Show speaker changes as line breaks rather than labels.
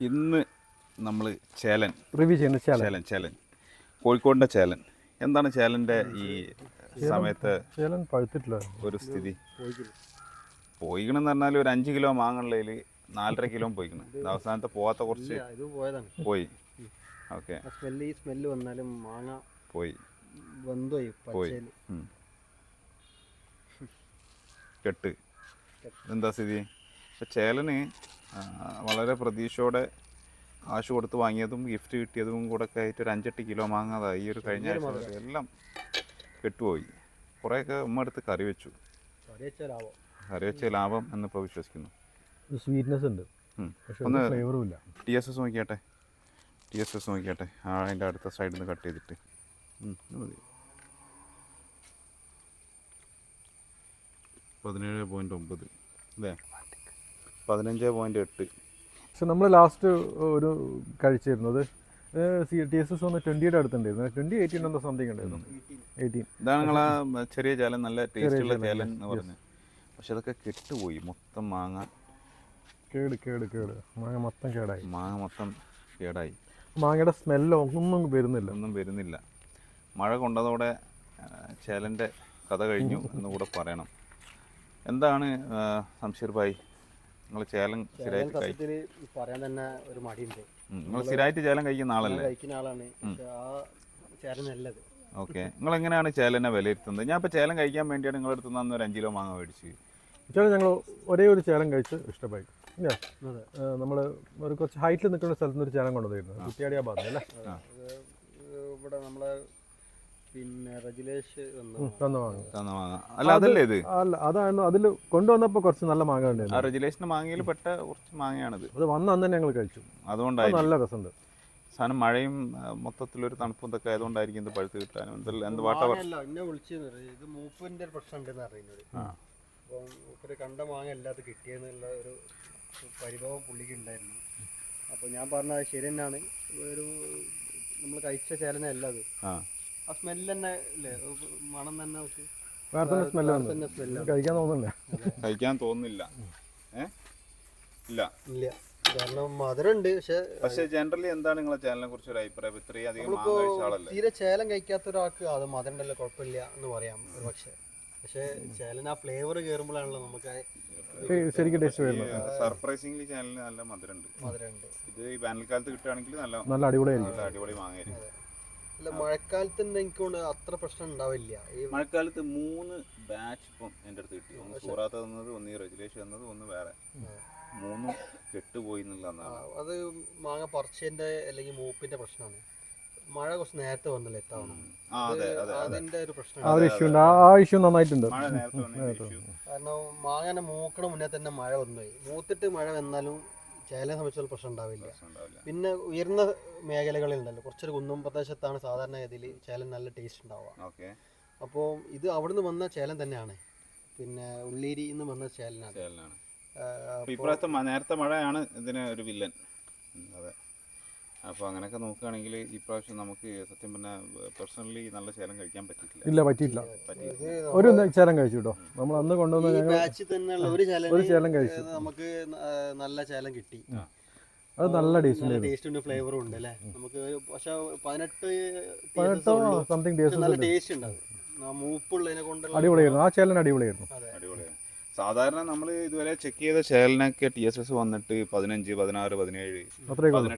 ഇന്ന് നമ്മൾ ചേലൻ
റിവ്യൂ ചെയ്യുന്ന
ചേലൻ കോഴിക്കോടിൻ്റെ ചേലൻ എന്താണ് ചേലൻ്റെ ഈ സമയത്ത്
ചേലൻ പഴുത്തിട്ടില്ല
ഒരു സ്ഥിതി? പോയിക്കണെന്ന് പറഞ്ഞാൽ ഒരു 5 കിലോ മാങ്ങുള്ളതിൽ 4.5 കിലോ പോയിക്കണം. അവസാനത്തെ പോകാത്ത കുറച്ച് പോയി. ഓക്കെ,
സ്മെല്ല് വന്നാലും മാങ്ങ
പോയി
പോയി
കെട്ട്. എന്താ സ്ഥിതി? ഇപ്പം ചേലന് വളരെ പ്രതീക്ഷയോടെ കാശ് കൊടുത്ത് വാങ്ങിയതും ഗിഫ്റ്റ് കിട്ടിയതും കൂടെ ഒക്കെ ആയിട്ട് ഒരു 5-8 കിലോ മാങ്ങാതാ ഈ ഒരു കഴിഞ്ഞ ആഴ്ച എല്ലാം കെട്ടുപോയി. കുറേയൊക്കെ ഉമ്മ എടുത്ത് കറി വെച്ചു. കറി വെച്ച ലാഭം എന്നിപ്പോൾ വിശ്വസിക്കുന്നു.
സ്വീറ്റ്നെസ് ഉണ്ട്,
ഒന്ന്
ഫ്ലേവറും ഇല്ല.
TSS നോക്കിയാട്ടെ, TSS നോക്കിയാട്ടെ. അതിൻ്റെ അടുത്ത സൈഡിൽ നിന്ന് കട്ട് ചെയ്തിട്ട് മതി. 17.9 അല്ലേ, 15.8.
പക്ഷെ നമ്മൾ ലാസ്റ്റ് ഒരു കഴിച്ചിരുന്നത് TSS ഒന്ന് 20യുടെ അടുത്തുണ്ടായിരുന്നു. 2018 എന്തോ സംതിങ് ഉണ്ടായിരുന്നു. 18
ഇതാണ് നിങ്ങളാ ചെറിയ ചേലൻ, നല്ല ടേസ്റ്റുള്ള ചേലൻ എന്ന് പറഞ്ഞത്. പക്ഷെ അതൊക്കെ കെട്ടുപോയി. മൊത്തം മാങ്ങ
കേട് മാങ്ങ മൊത്തം കേടായി.
മാങ്ങ മൊത്തം കേടായി.
മാങ്ങയുടെ സ്മെല്ലോ ഒന്നും വരുന്നില്ല.
മഴ കൊണ്ടതോടെ ചേലൻ്റെ കഥ കഴിഞ്ഞു എന്നുകൂടെ പറയണം. എന്താണ് സംശീർ ഭായി, നിങ്ങൾ ചേലൻ സ്ഥിരമായിട്ട്
പറയാൻ തന്നെ ഒരു മടിയുണ്ട്.
നിങ്ങൾ സ്ഥിരമായിട്ട് ചേലൻ കഴിക്കുന്ന ആളല്ലേ?
കഴിക്കുന്ന ആളാണ്.
ഓക്കെ, നിങ്ങൾ എങ്ങനെയാണ് ചേലനെ വിലയിരുത്തുന്നത്? ഞാൻ ഇപ്പോൾ ചേലൻ കഴിക്കാൻ വേണ്ടിയാണ് നിങ്ങളുടെ അടുത്ത് നിന്ന് ഒരു 5 കിലോ മാങ്ങ മേടിച്ച്.
ഞങ്ങൾ ഒരേ ഒരു ചേലൻ കഴിച്ച് ഇഷ്ടമായി. നമ്മൾ ഒരു കുറച്ച് ഹൈറ്റിൽ നിൽക്കുന്ന സ്ഥലത്ത് നിന്ന് ഒരു ചേലൻ കൊണ്ടുവന്നിരുന്നു, കുറ്റിയാടിയ ഭാഗത്ത് അല്ലേ?
ഇവിടെ നമ്മളെ പിന്നെ റജിലേഷ്
തന്ന മാങ്ങ.
അല്ല അതല്ലേ ഇത്?
അല്ല, അതായിരുന്നു. അതിൽ കൊണ്ടുവന്നപ്പോൾ കുറച്ച് നല്ല മാങ്ങ ഉണ്ടായിരുന്നു.
ആ റജിലേഷിന്റെ മാങ്ങയിൽ പെട്ട കുറച്ച് മാങ്ങയാണിത്.
അത് വന്ന അന്ന് തന്നെ ഞങ്ങൾ കഴിച്ചു.
അതുകൊണ്ടായി
നല്ല രസമുണ്ട്
സാധനം. മഴയും മൊത്തത്തിലൊരു തണുപ്പും ഇതൊക്കെ ആയതുകൊണ്ടായിരിക്കും ഇത് പഴുത്ത് കിട്ടാനും എന്ത് വാട്ട
എന്നെ വിളിച്ചത് മൂപ്പിന്റെ ഒരു പ്രശ്നം ഉണ്ടെന്ന് അറിയുന്നത്. അപ്പം മൂപ്പര് കണ്ട മാങ്ങ എല്ലാത്തും കിട്ടിയെന്നുള്ള ഒരു പരിഭവം പുള്ളിക്ക് ഉണ്ടായിരുന്നു. അപ്പോൾ ഞാൻ പറഞ്ഞത് ശരി തന്നെയാണ്. ഒരു നമ്മൾ കഴിച്ച ചേലനല്ല അത്. ആ സ്മെല്ല് തന്നെ ഇല്ലേ, മണം തന്നെ നമുക്ക്
കഴിക്കാൻ തോന്നുന്നില്ല. ഇല്ല,
കാരണം മധുരമുണ്ട്.
പക്ഷെ ജനറലി എന്താണ് നിങ്ങളെ ചേലനെ കുറിച്ച് ഒരു അഭിപ്രായം? ഇത്രയും അധികം
തീരെ ചേലം കഴിക്കാത്ത ഒരാൾക്ക് അത് മധുരണ്ടല്ലോ കുഴപ്പമില്ല എന്ന് പറയാം ഒരു പക്ഷെ ചേലൻ ആ ഫ്ലേവർ കയറുമ്പോഴാണല്ലോ നമുക്ക്
ശരിക്കും ടേസ്റ്റ് വരുന്നത്.
സർപ്രൈസിംഗ്ലി ചേലന് നല്ല മധുരമുണ്ട്. ഇത് ഈ വേനൽക്കാലത്ത് കിട്ടുകയാണെങ്കിൽ നല്ല അടിപൊളി മാങ്ങയായിരിക്കും.
അല്ല, മഴക്കാലത്ത് എനിക്ക് അത്ര പ്രശ്നം ഉണ്ടാവില്ല.
ഈ മഴക്കാലത്ത് 3 ബാച്ച് ഇപ്പം എൻ്റെ അടുത്ത് കിട്ടി. ഒന്ന് സൂറാത്ത തന്നത്, ഒന്ന് ഈ റെജുലേഷൻ തന്നത്, ഒന്ന് വേറെ 3 കെട്ടുപോയി എന്നുള്ളതാണ്.
അത് മാങ്ങ പറിച്ചതിന്റെ അല്ലെങ്കിൽ മൂപ്പിന്റെ പ്രശ്നമാണ്. മഴ കുറച്ച് നേരത്തെ വന്നല്ലോ എത്താവണം. അതിന്റെ ഒരു പ്രശ്നം.
ആ ഇഷ്യൂ നന്നായിട്ടുണ്ട്.
കാരണം മാങ്ങനെ മൂക്കണ മുന്നേ തന്നെ മഴ വന്നുപോയി. മൂത്തിട്ട് മഴ വന്നാലും ചേലനെ സംബന്ധിച്ചുള്ള പ്രശ്നം ഉണ്ടാവില്ല. പിന്നെ ഉയർന്ന മേഖലകളിൽ ഉണ്ടല്ലോ, കുറച്ചൊരു കുന്നും പ്രദേശത്താണ് സാധാരണ ഇതിൽ ചേലൻ നല്ല ടേസ്റ്റ് ഉണ്ടാവുക. അപ്പോൾ ഇത് അവിടുന്ന് വന്ന ചേലൻ തന്നെയാണ്. പിന്നെ ഉള്ളേരിയിൽ നിന്ന് വന്ന ചേലനാണ്.
ഇപ്രാവശ്യത്തെ നേരത്തെ മഴയാണ് ഇതിന് ഒരു വില്ലൻ. അതെ, അപ്പോൾ അങ്ങനെയൊക്കെ നോക്കുകയാണെങ്കിൽ ഇപ്രാവശ്യം നമുക്ക് സത്യം പറഞ്ഞാൽ പേഴ്സണലി നല്ല ചേലൻ കഴിക്കാൻ പറ്റിയിട്ടില്ല.
ഒരു ചേലൻ കഴിച്ചു കേട്ടോ. നമ്മൾ അന്ന് കൊണ്ടുവന്ന
ബാച്ചിൽ തന്നെയുള്ള ഒരു ചേലൻ കഴിച്ചു. നമുക്ക് നല്ല ചേലൻ കിട്ടി.
അത് നല്ല
ടേസ്റ്റ് ഫ്ലേവറും ഉണ്ട് അല്ലേ നമുക്ക്. പക്ഷെ
18 സംതിങ്
നല്ല ടേസ്റ്റ് ഉണ്ടാവും. മൂപ്പുള്ളതിനെ കൊണ്ട്
അടിപൊളിയായിരുന്നു. ആ ചേലൻ അടിപൊളിയായിരുന്നു.
സാധാരണ നമ്മൾ ഇതുവരെ ചെക്ക് ചെയ്ത ചേലനൊക്കെ TSS വന്നിട്ട് 15, 16, 17, 18